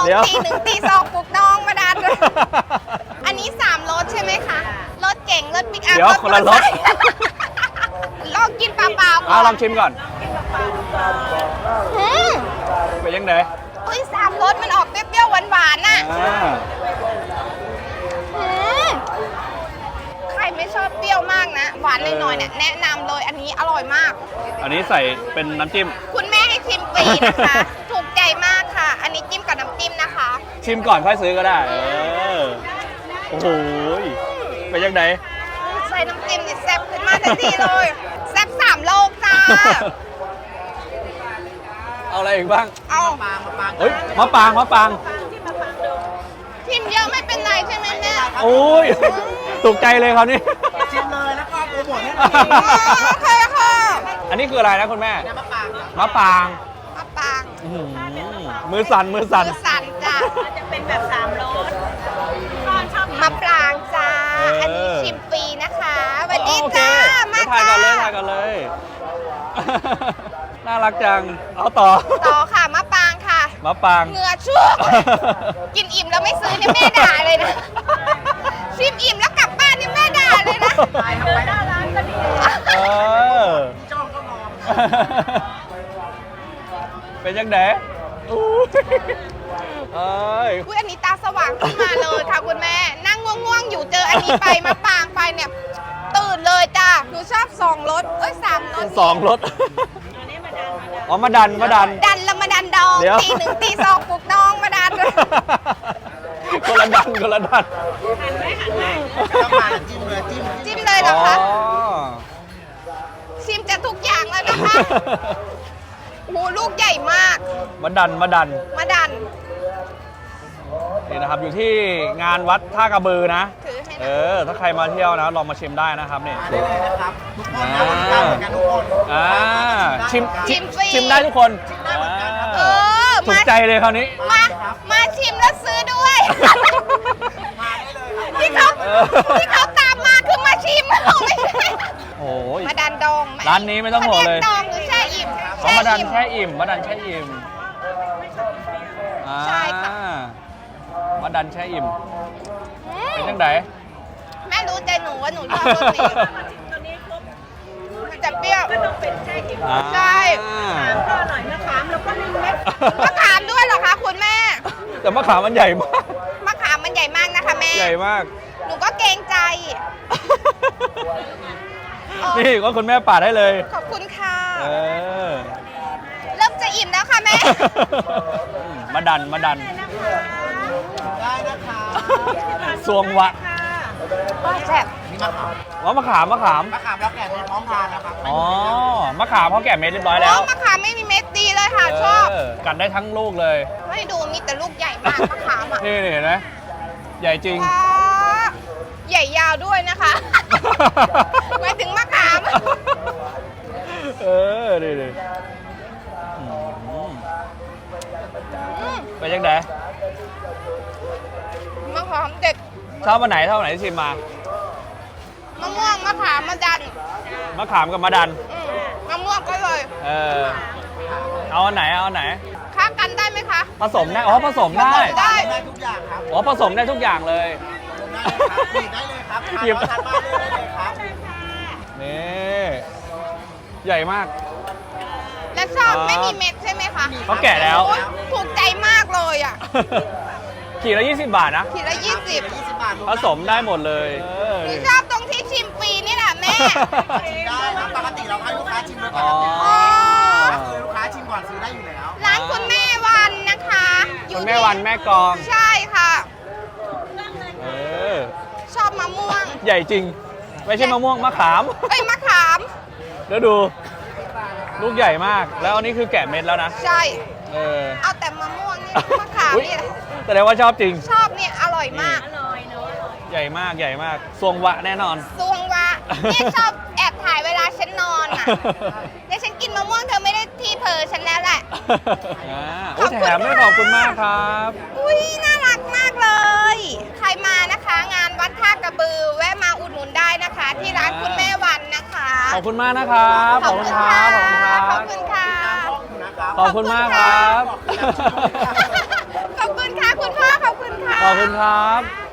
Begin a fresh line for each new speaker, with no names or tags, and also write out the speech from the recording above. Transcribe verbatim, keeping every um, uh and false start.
เดี๋ยว
ตีหนึ่งตีสองปลุกน้องมาดันอันนี้สามรสใช่ไหมคะรสเก่งรสปิกอัพ
เดี๋ยวคนละรส
ลองกินเปล่าๆก่
อ่ะ
อน
ลองชิมก่อน
อืม
เป็นยังไง
อุ้ยสามรสมันออกเปรี้ยวๆหวานๆน่ะ
อ่า
อืมใครไม่ชอบเปรี้ยวมากนะ หวานหน่อยๆเนี่ยแนะนำเลยอันนี้อร่อยมาก
อันนี้ใส่เป็นน้ำจิ้ม
คุณแม่ให้ชิมฟรีนะคะ ถูกใจมากค่ะ อันนี้จิ้มกับน้ำจิ้มนะคะ
ชิมก่อนค่อยซื้อก็ได้ เออ โอ้โหเป็นยังไง
ใส่น้ำจิ้มนี่แซ่บขึ้นมาทันทีเลยแซ่บสามโลกจ้า
เอาอะไรอีกบ้าง
เอา
เฮ้ยมะปางมะปาง
ชิมเยอะไม่เป็นไรใช่ไหมแม่
โอ้ยถูกใจเลยคราวนี้
ชิมเลยแล้วก็โปรโมทให้
อ๋อโอเคค่ะ
อันนี้คืออะไรนะคุณแม่
น้ำมะปาง
มะปาง
มะปาง
อื้อหือมือสั่นมือสั่น
มือสั่นจ้า
จะเป็นแบบสามรส
มะปรางจ้า
เอออั
อันนี้ชิมฟรีนะคะสวัสดี
โอเค
จ้า มา
ถ่าย
จ้า
ก่อนเลยถ่ายก่อนเลย น่ารักจัง เอาต่อ
ต่อค่ะมะปรางค่ะ
มะปาง
เหงื่อชุ่ม กินอิ่มแล้วไม่ซื้อเนี่ยแม่ด่าเลยนะ ชิมอิ่มแล้วกลับบ้านเนี่ยแม่ด่าเลยนะ
ไปทำไปหน้าร้านก็ดี
เออ
จ้องก็มอง
เป็นยังไงอู้เอ้ย
อุ้ยอันนี้ตาสว่างขึ้นมาเลยค่ะคุณแม่ นั่งง่วงๆอยู่เจออันนี้ไปมะปรางไปเนี่ยตื่นเลยจ้าหนูชอบสองรสเอ้ยสามรส
สองรถอ๋อมาดันมาดัน
ดันแล้วมาดันดอง
เดี๋ยว
ตีหนึ่งตีสองปลุกน้องมาดัน
คนละดันคนละดัน
ต้องมาจิ้มเลยจิ้ม
จิ้มเลยเหรอ
อ๋อ
คะชิมจะทุกอย่างแล้วนะคะโอ้โหลูกใหญ่มาก
มาดันมาดัน
มาดัน
นี่นะครับอยู่ที่งานวัดท่ากระบือนะ
ถือให้
เอ
นะ
อ ถ้าใครมาเที่ยวนะลองมาชิมได้นะครับนี่
มาได้เลยนะครับ ทุกคนนะวันเก้าเหมือนกันทุกคน
อ่าชิม
ชิมฟรี
ชิมได้ทุกคน
เออ
ถูกใจเลยคราวนี้
มา มาชิมแล้วซื้อด้วย
มาได้เลยครับ
ที่เขา
เออ
ที่เขาตามมาคือมาชิมไม่ใช่
โอ้ย
มาดันดอง
ร้านนี้ไม่ต้องห่วงเลย
มาดันดองหรือแช่อิ่ม
เขามาดัน
อิ่ม
แช่อิ่มมาดันแช่อิ่มอ่า
ใช่ค่ะ
มาดันแช่อิ่ม
อื
เป็น
ม
จังได
แม่รู้ใจหนูว่าหนูชอบรสนี้มันจะเปรี้ยว
อ่า
ใช่
ก็อร่อยนะขามแล้วก็นึ่งเม็ด
มะขามด้วยเหรอคะคุณแม่
แต่มะขามมันใหญ่มาก
มะขามมันใหญ่มากนะคะแม่
ใหญ่มาก
หนูก็เกรงใจ อ๋อ
นี่ก็คุณแม่ปาดให้เลย
ขอบคุณค่ะ
เออ
เริ่มจะอิ่มแล้วค่ะแม่
มาดันมาดัน
ได้นะคะ
สวงวะ
แซ่บ
นี่มะขาม
อ๋อมะขามมะขาม
มะขามแล้วแกะในพร้อมทานนะครับ
อ๋อ มะขามเขาแกะเม็ดเรียบร้อยแล้ว
โอ้มะขามไม่มีเม็ดดีเลยค่ะ ชอบ
เกัดได้ทั้งลูกเลย
ให้ดูมีแต่ลูกใหญ่มากมะขามอ่ะ
นี่นี่เห็นไหมใหญ่จริง
ว้าใหญ่ยาวด้วยนะคะหมายถึงมะขาม
เออนี่นี่อืม
อืม
ไปยังไง
มะขามเด็ด
ชอบวันไหนชอบวันไหนที่ชิมมา
มะม่วงมะขามมะดัน
มะขามกับมะดัน
อืมมะม่วงก็เลย
เออ เอาอันไหนเอาอันไหน
ค้ากันได้ไหมคะ
ผสมได้ อ๋อ ผสมได้
ได้
ได้ทุกอย่างครับ
อ๋อ ผสมได้ทุกอย่างเลย
ได้เลยครับห
หยิ
ยิ
บ
บทานบ้านได้เลยครับ
นี่ ใหญ่มาก
และชอบ
อ๋อ
ไม่มีเม็ดใช่ไหมคะ
เขาแกะแล้ว
โอ๊ยถูกใจมากเลยอ่ะ
ขีดละยี่สิบบาทนะ
ขีดละยี่สิบ
ยี่สิบบาท
ผสมได้หมดเลยเออ
หนูชอบตรงที่ชิมฟรีนี่แหละแม่
ชิมได้ครับปกติเราให้ลูกค้าชิมด้วยกั
อ๋
น
อ
อ๋อ
คือลูกค้าชิมก่อนซื้อได้อยู่แล้ว
ร้านคุณแม่วันนะคะอ
คุ
ยู่
ณแม่วันแม่กลอง
ใช่ค่ะ
เออ
ชอบมะม่วง
ใหญ่จริง ไม่ใช่มะม่วงมะขาม
เอ้ยมะขาม
แล้วดู ลูกใหญ่มาก แล้วอันนี้คือแกะเม็ดแล้วนะ
ใช่
เออ
เอาแต่มะม่วงนี่มะขาม
อุ๊ย
นี่
แสดงว่าชอบจริง
ชอบเนี่ยอร่อยมาก
ใหญ่มากใหญ่มากทรงวะแน่นอน
ซวงวะเนี่ยชอบแอบถ่ายเวลาฉันนอนอ่ะเนี่ยฉันกินมะม่วงเธอไม่ได้ที่เพอฉันแล้วแหละ
อ่าอุ๊ยแถมด้วยขอบคุณมากครับ
อุ้ยน่ารักมากเลย ใครมานะคะ งานวัดท่ากระบือ แวะมาอุดหนุนได้นะคะ ที่ร้านคุณแม่วันนะคะ
ขอบคุณมากนะครับ ขอบคุณครับ
ขอบคุณค่ะ
ขอบคุณมากครับ
ขอบคุณค่ะ
ขอบคุณครับ